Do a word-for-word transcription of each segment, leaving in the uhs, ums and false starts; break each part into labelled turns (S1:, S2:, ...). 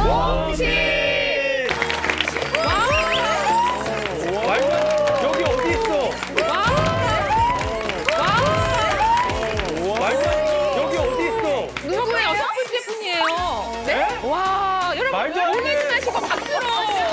S1: 공식!
S2: 여기 어디 있어? 여기 어디 있어?
S1: 누구의 여섯 번째 분이에요. 네? 와, 여러분
S2: 말도 안 돼.
S1: 놀라지 마시고 박수로.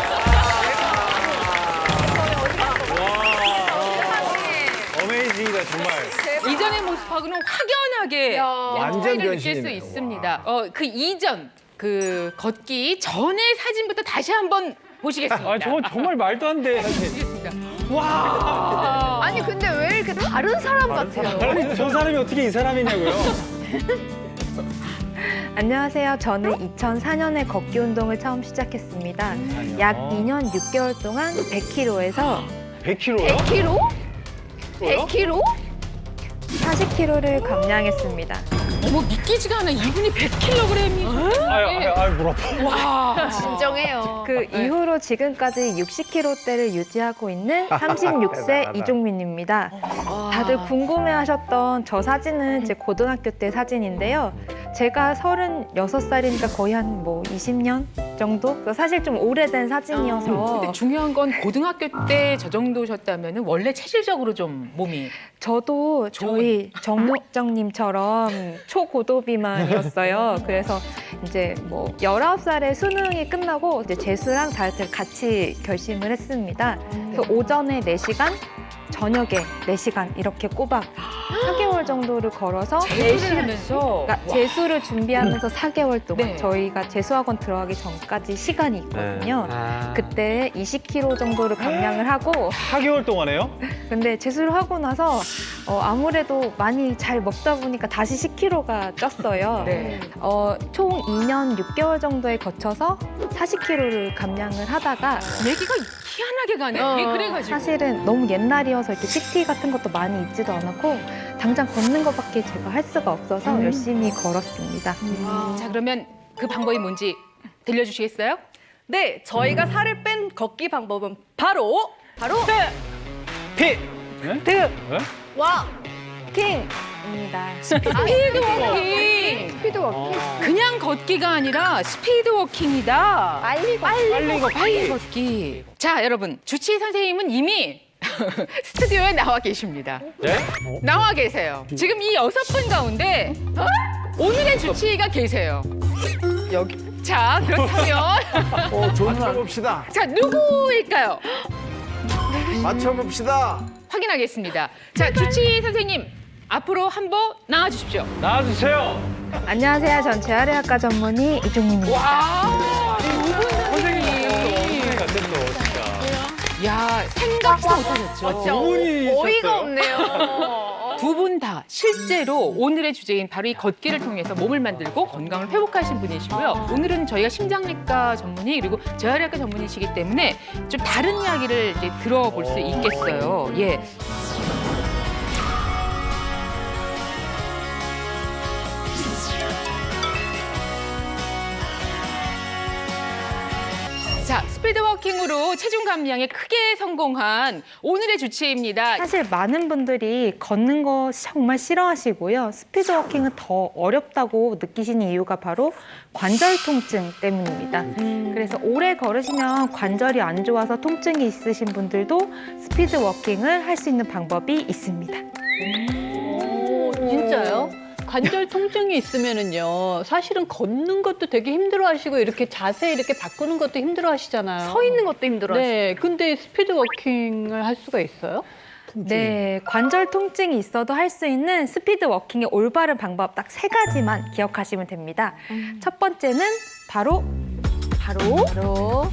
S2: 어메이징이다 정말.
S1: 이전의 모습하고는 확연하게
S3: 완전
S1: 차이를 느낄 수
S3: 변신이네요.
S1: 있습니다. 어, 그 이전, 그 걷기 전의 사진부터 다시 한번 보시겠습니다.
S2: 아 저건 정말 말도 안 돼.
S1: 보시겠습니다. 와.
S4: 아니 근데 왜 이렇게 다른 사람 같아요?
S2: 아니 저 사람이 어떻게 이 사람이냐고요?
S5: 안녕하세요. 저는 이천사 년에 걷기 운동을 처음 시작했습니다. 약 이 년 육 개월 동안 백 킬로그램에서
S2: 백 킬로그램요?
S4: 백 킬로그램? 백 킬로그램?
S5: 사십 킬로그램을 감량했습니다.
S1: 어머, 믿기지가 않아. 이분이 백 킬로그램이.
S2: 아유 아유 아유 물 아파.
S1: 와.
S4: 진정해요.
S5: 그 이후로 지금까지 육십 킬로그램대를 유지하고 있는 삼십육 세 이종민입니다. 다들 궁금해하셨던 저 사진은 제 고등학교 때 사진인데요. 제가 서른여섯 살이니까 거의 한 뭐 이십 년 정도? 사실 좀 오래된 사진이어서
S1: 근데 중요한 건 고등학교 때 저 정도셨다면 원래 체질적으로 좀 몸이.
S5: 저도 저희 정육정님처럼 초고도비만이었어요. 그래서 이제 뭐 열아홉 살에 수능이 끝나고 이제 재수랑 다이어트를 같이 결심을 했습니다. 그래서 오전에 네 시간, 저녁에 네 시간 이렇게 꼬박 사 개월 정도를 걸어서
S1: 재수를 하면서.
S5: 그러니까 재수를 준비하면서 사 개월 동안
S1: 네.
S5: 저희가 재수학원 들어가기 전까지 시간이 있거든요.
S2: 아.
S5: 그때 이십 킬로그램 정도를 감량을 하고
S2: 사 개월 동안에요?
S5: 근데 재수를 하고 나서 어, 아무래도 많이 잘 먹다 보니까 다시 십 킬로그램가 쪘어요.
S1: 네.
S5: 어, 총 이 년 육 개월 정도에 거쳐서 사십 킬로그램를 감량을 하다가
S1: 얘기가 희한하게 가네.
S4: 어.
S1: 예, 그래가지고.
S5: 사실은 너무 옛날이어서 이렇게 피티 같은 것도 많이 있지도 않았고 당장 걷는 것밖에 제가 할 수가 없어서
S1: 음.
S5: 열심히 걸었습니다.
S1: 자, 그러면 그 방법이 뭔지 들려주시겠어요?
S6: 네, 저희가 살을 뺀 걷기 방법은 바로 바로
S2: 피. 네?
S5: 득!
S2: 네?
S4: 와!
S5: 킹입니다.
S1: 스피드 워킹.
S4: 스피드 워킹.
S1: 그냥 걷기가 아니라 스피드 워킹이다.
S4: 빨리 가.
S2: 빨리 걷기.
S1: 빨리 걷기. 자, 여러분. 주치 선생님은 이미 스튜디오에 나와 계십니다.
S2: 네?
S1: 나와 계세요. 지금 이 여섯 분 가운데 오늘의 주치의가 계세요.
S6: 여기
S1: 자, 그렇다면
S3: 어, 좋은 맞춰봅시다.
S1: 자, 누구일까요?
S3: 맞춰봅시다.
S1: 확인하겠습니다. 자, 주치 선생님 앞으로 한번 나와 주십시오.
S2: 나와주세요.
S5: 안녕하세요. 전 재활의학과 전문의 이종민입니다.
S1: 와, 이분
S2: 선생님
S1: 선생님.
S2: 같았어 진짜.
S1: 야, 생각도 못하셨죠?
S2: 두 분이
S4: 어이가
S2: 있었어요.
S4: 없네요.
S1: 두 분 다 실제로 오늘의 주제인 바로 이 걷기를 통해서 몸을 만들고 건강을 회복하신 분이시고요. 오늘은 저희가 심장내과 전문의 그리고 재활의학과 전문의시기 때문에 좀 다른 이야기를 이제 들어볼 수 있겠어요. 예. 자, 스피드워킹으로 체중 감량에 크게 성공한 오늘의 주치의입니다.
S5: 사실 많은 분들이 걷는 거 정말 싫어하시고요. 스피드워킹은 더 어렵다고 느끼시는 이유가 바로 관절 통증 때문입니다. 그래서 오래 걸으시면 관절이 안 좋아서 통증이 있으신 분들도 스피드워킹을 할 수 있는 방법이 있습니다.
S7: 오, 진짜요? 관절 통증이 있으면은요, 사실은 걷는 것도 되게 힘들어하시고 이렇게 자세 이렇게 바꾸는 것도 힘들어하시잖아요.
S4: 서 있는 것도 힘들어요.
S7: 네, 근데 스피드 워킹을 할 수가 있어요?
S5: 네, 관절 통증이 있어도 할 수 있는 스피드 워킹의 올바른 방법 딱 세 가지만 기억하시면 됩니다. 첫 번째는 바로 바로
S4: 바로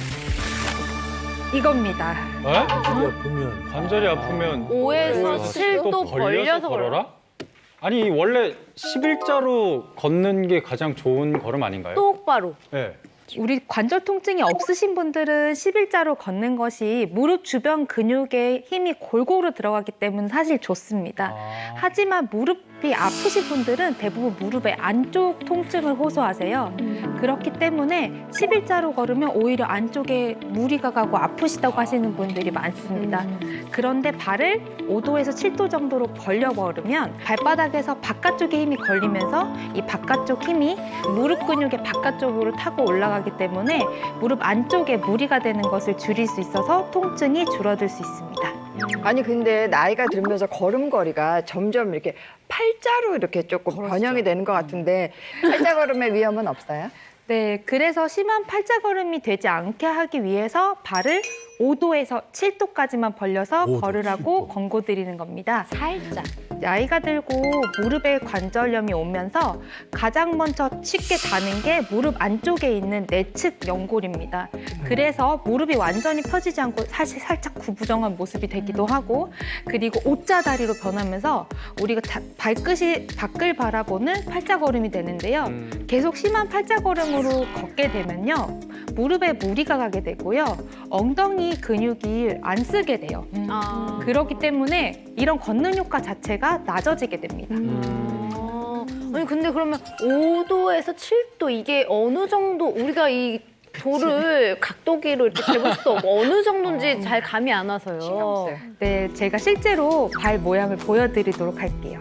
S5: 이겁니다.
S2: 에?
S3: 아프면.
S2: 관절이 아프면
S4: 오에서 칠 도
S2: 또
S4: 벌려서 걸어라.
S2: 걸어라? 아니 원래 십일자로 걷는 게 가장 좋은 걸음 아닌가요?
S4: 똑바로.
S2: 네.
S5: 우리 관절 통증이 없으신 분들은 십일자로 걷는 것이 무릎 주변 근육에 힘이 골고루 들어가기 때문에 사실 좋습니다.
S2: 아.
S5: 하지만 무릎 무릎이 아프신 분들은 대부분 무릎의 안쪽 통증을 호소하세요. 그렇기 때문에 십일자로 걸으면 오히려 안쪽에 무리가 가고 아프시다고 하시는 분들이 많습니다. 그런데 발을 오 도에서 칠 도 정도로 벌려 걸으면 발바닥에서 바깥쪽에 힘이 걸리면서 이 바깥쪽 힘이 무릎 근육의 바깥쪽으로 타고 올라가기 때문에 무릎 안쪽에 무리가 되는 것을 줄일 수 있어서 통증이 줄어들 수 있습니다.
S8: 아니 근데 나이가 들면서 걸음걸이가 점점 이렇게 팔자로 이렇게 조금 변형이 되는 것 같은데 팔자 걸음의 위험은 없어요?
S5: 네, 그래서 심한 팔자걸음이 되지 않게 하기 위해서 발을 오 도에서 칠 도까지만 벌려서
S3: 오 도,
S5: 걸으라고
S3: 칠 도.
S5: 권고드리는 겁니다.
S4: 살짝.
S5: 나이가 들고 무릎에 관절염이 오면서 가장 먼저 쉽게 닿는 게 무릎 안쪽에 있는 내측 연골입니다. 그래서 무릎이 완전히 펴지지 않고 사실 살짝 구부정한 모습이 되기도 하고 그리고 오자 다리로 변하면서 우리가 자- 발끝이 밖을 바라보는 팔자걸음이 되는데요.
S2: 음.
S5: 계속 심한 팔자걸음으로 걷게 되면요. 무릎에 무리가 가게 되고요. 엉덩이 근육이 안 쓰게 돼요.
S4: 아.
S5: 그렇기 때문에 이런 걷는 효과 자체가 낮아지게 됩니다.
S4: 아. 아니 근데 그러면 오 도에서 칠 도 이게 어느 정도 우리가 이 돌을 각도기로 이렇게 재볼 수 없고 어느 정도인지 잘 감이 안 와서요.
S8: 신경 써요.
S5: 네, 제가 실제로 발 모양을 보여드리도록 할게요.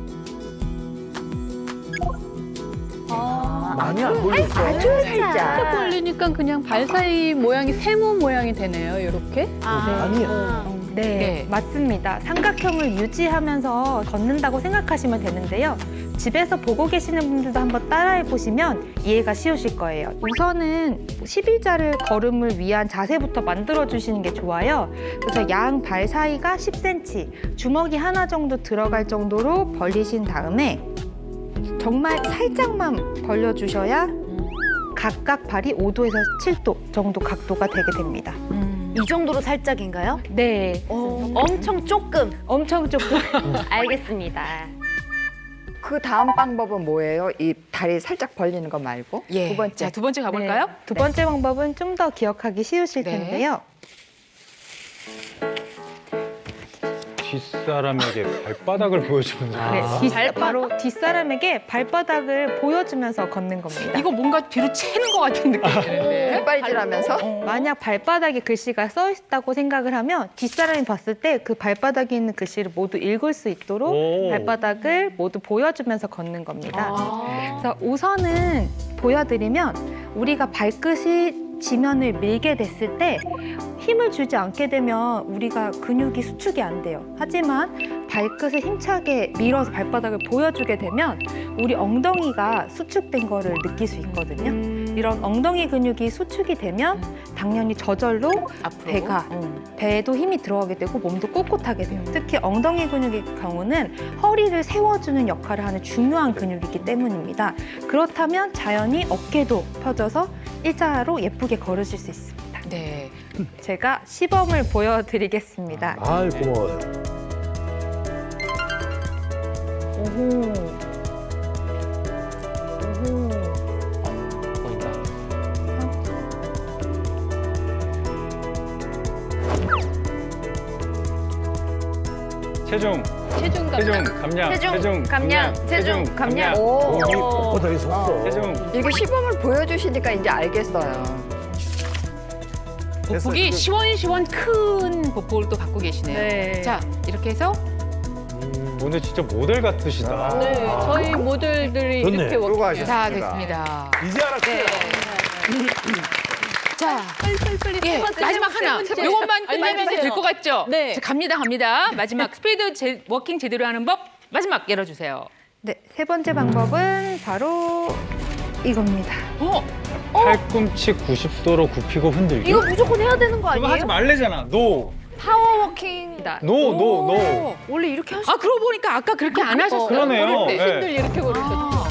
S3: 많이 안 걸렸어.
S8: 아주 살짝.
S7: 딱 걸리니까 그냥 발 사이 모양이 세모 모양이 되네요. 이렇게.
S3: 아니야.
S5: 네,
S1: 네.
S5: 맞습니다. 삼각형을 유지하면서 걷는다고 생각하시면 되는데요. 집에서 보고 계시는 분들도 한번 따라해 보시면 이해가 쉬우실 거예요. 우선은 십일자를 걸음을 위한 자세부터 만들어 주시는 게 좋아요. 그래서 양 발 사이가 십 센티미터, 주먹이 하나 정도 들어갈 정도로 벌리신 다음에 정말 살짝만 벌려주셔야 각각 발이 오 도에서 칠 도 정도 각도가 되게 됩니다.
S4: 이 정도로 살짝인가요?
S5: 네,
S4: 엄청 조금.
S5: 엄청 조금.
S4: 알겠습니다.
S8: 그 다음 방법은 뭐예요? 이 다리 살짝 벌리는 거 말고
S1: 예.
S8: 두 번째.
S1: 자, 두 번째 가볼까요?
S5: 네, 두 번째 방법은 좀 더 기억하기 쉬우실
S1: 네.
S5: 텐데요.
S2: 뒷사람에게 발바닥을 보여주면서.
S5: 네,
S3: 아.
S5: 뒷- 바로 뒷사람에게 발바닥을 보여주면서 걷는 겁니다.
S1: 이거 뭔가 뒤로 채는 것 같은 느낌이 드는데.
S8: 빨질하면서
S5: 만약 발바닥에 글씨가 써 있다고 생각을 하면 뒷사람이 봤을 때 그 발바닥에 있는 글씨를 모두 읽을 수 있도록
S2: 오.
S5: 발바닥을 모두 보여주면서 걷는 겁니다.
S4: 아.
S5: 그래서 우선은 보여드리면 우리가 발끝이 지면을 밀게 됐을 때 힘을 주지 않게 되면 우리가 근육이 수축이 안 돼요. 하지만 발끝을 힘차게 밀어서 발바닥을 보여주게 되면 우리 엉덩이가 수축된 거를 느낄 수 있거든요. 이런 엉덩이 근육이 수축이 되면 당연히 저절로
S1: 앞으로.
S5: 배가 배에도 힘이 들어가게 되고 몸도 꼿꼿하게 돼요. 특히 엉덩이 근육의 경우는 허리를 세워주는 역할을 하는 중요한 근육이기 때문입니다. 그렇다면 자연히 어깨도 펴져서 일자로 예쁘게 걸으실 수 있습니다.
S1: 네.
S5: 제가 시범을 보여드리겠습니다.
S3: 아이 고마워요.
S5: 오호. 오호.
S2: 보인다. 체중,
S7: 체중
S2: 체중,
S7: 감량.
S2: 감량,
S4: 체중, 감량, 체중, 감량.
S8: 오.
S3: 여기 뻣뻣하게 섰어.
S2: 체중.
S8: 이게 시범을 보여주시니까 이제 알겠어요.
S1: 보폭이 시원시원 큰 보폭을 또 갖고 계시네요.
S6: 네.
S1: 자, 이렇게 해서
S2: 오늘 진짜 모델 같으시다.
S7: 네, 저희 모델들이
S3: 좋네.
S7: 이렇게
S3: 그러고
S7: 워킹해요.
S1: 자, 됐습니다.
S3: 이제 알았어요.
S1: 자,
S7: 빨리빨리
S1: 예,
S7: 세 번째,
S1: 마지막
S7: 세
S1: 하나.
S7: 번째.
S1: 요것만 끝내면
S7: 알려주세요.
S1: 될 것 같죠?
S7: 네.
S1: 자, 갑니다, 갑니다. 마지막 스피드 제, 워킹 제대로 하는 법 마지막 열어주세요.
S5: 네, 세 번째 방법은 바로 이겁니다.
S1: 어,
S2: 팔꿈치 구십 도로 굽히고 흔들기.
S4: 이거 무조건 해야 되는 거
S2: 그거
S4: 아니에요?
S2: 하지 말래잖아. 노,
S4: 파워워킹.
S2: 노, 노, 노.
S4: 원래 이렇게 하시.
S1: 아 그러고 보니까 아까 그렇게 안 하셨어요.
S2: 그러네요.
S1: 걸을 때.
S2: 네.
S7: 신들 이렇게 걸으셨죠.
S1: 아,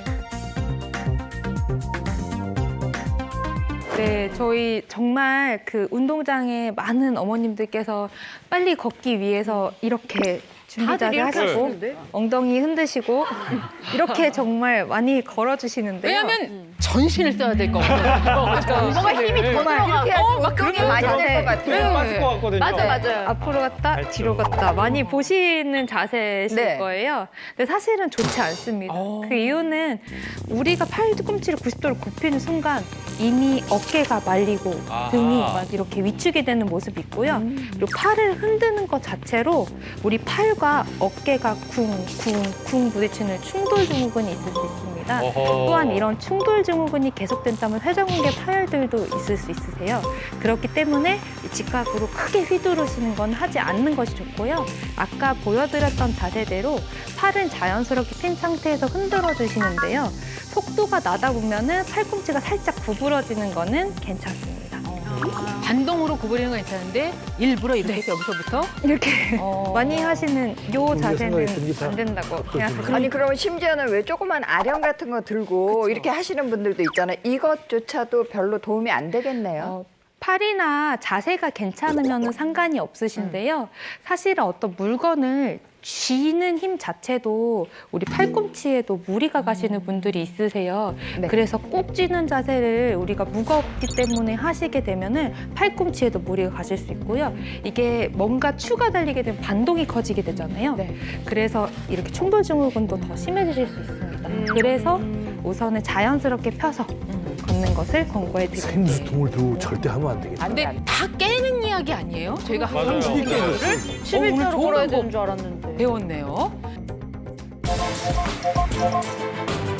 S5: 네, 저희 정말 그 운동장에 많은 어머님들께서 빨리 걷기 위해서 이렇게 준비 자세 하시고 엉덩이 흔드시고 이렇게 정말 많이 걸어주시는데요.
S1: 왜냐하면 전신을 써야 될 것 같아요.
S4: 뭔가 힘이 더 들어가고.
S8: 이렇게 해야지 운동이 많이 될 것
S2: 네,
S8: 같아요.
S2: 빠질 것 같거든요.
S4: 맞아, 맞아요.
S5: 앞으로 갔다 뒤로 갔다 많이 보시는 자세실
S8: 네.
S5: 거예요. 근데 사실은 좋지 않습니다.
S1: 어.
S5: 그 이유는 우리가 팔꿈치를 구십 도로 굽히는 순간 이미 어깨가 말리고
S2: 아하.
S5: 등이 막 이렇게 위축이 되는 모습이 있고요. 그리고 팔을 흔드는 것 자체로 우리 팔과 어깨가 쿵쿵쿵 부딪히는 충돌 증후군이 있을 수 있습니다.
S2: 어허.
S5: 또한 이런 충돌 증후군이 계속된다면 회전근개 파열들도 있을 수 있으세요. 그렇기 때문에 직각으로 크게 휘두르시는 건 하지 않는 것이 좋고요. 아까 보여드렸던 자세대로 팔은 자연스럽게 핀 상태에서 흔들어 주시는데요. 속도가 나다 보면은 팔꿈치가 살짝 구부러지는 거는 괜찮습니다.
S1: 반동으로 구부리는 건 괜찮은데 일부러 이렇게 해서 여기서부터
S5: 이렇게
S1: 어.
S5: 많이 하시는 요
S3: 우리가
S5: 자세는
S3: 생각했던 게 다
S5: 안 된다고 생각합니다.
S8: 아니 그러면 심지어는 왜 조그만 아령 같은 거 들고 이렇게 하시는 분들도 있잖아요. 이것조차도 별로 도움이 안 되겠네요.
S5: 어, 팔이나 자세가 괜찮으면 상관이 없으신데요. 사실은 어떤 물건을 쥐는 힘 자체도 우리 팔꿈치에도 무리가 가시는 분들이 있으세요.
S8: 네.
S5: 그래서 꼭 쥐는 자세를 우리가 무겁기 때문에 하시게 되면은 팔꿈치에도 무리가 가실 수 있고요. 이게 뭔가 추가 달리게 되면 반동이 커지게 되잖아요. 그래서 이렇게 충돌 증후군도 더 심해지실 수 있습니다. 그래서 우선은 자연스럽게 펴서 걷는 것을 권고해 드립니다.
S3: 생수통을 들고 절대 하면 안 되겠다.
S1: 근데 다 깨는 이야기 아니에요? 저희가
S2: 맞아요.
S1: 항상
S3: 쉽게
S1: 거를
S4: 십일자로
S1: 좋은
S4: 걸어야
S1: 방법
S4: 되는 줄 알았는데.
S1: 배웠네요.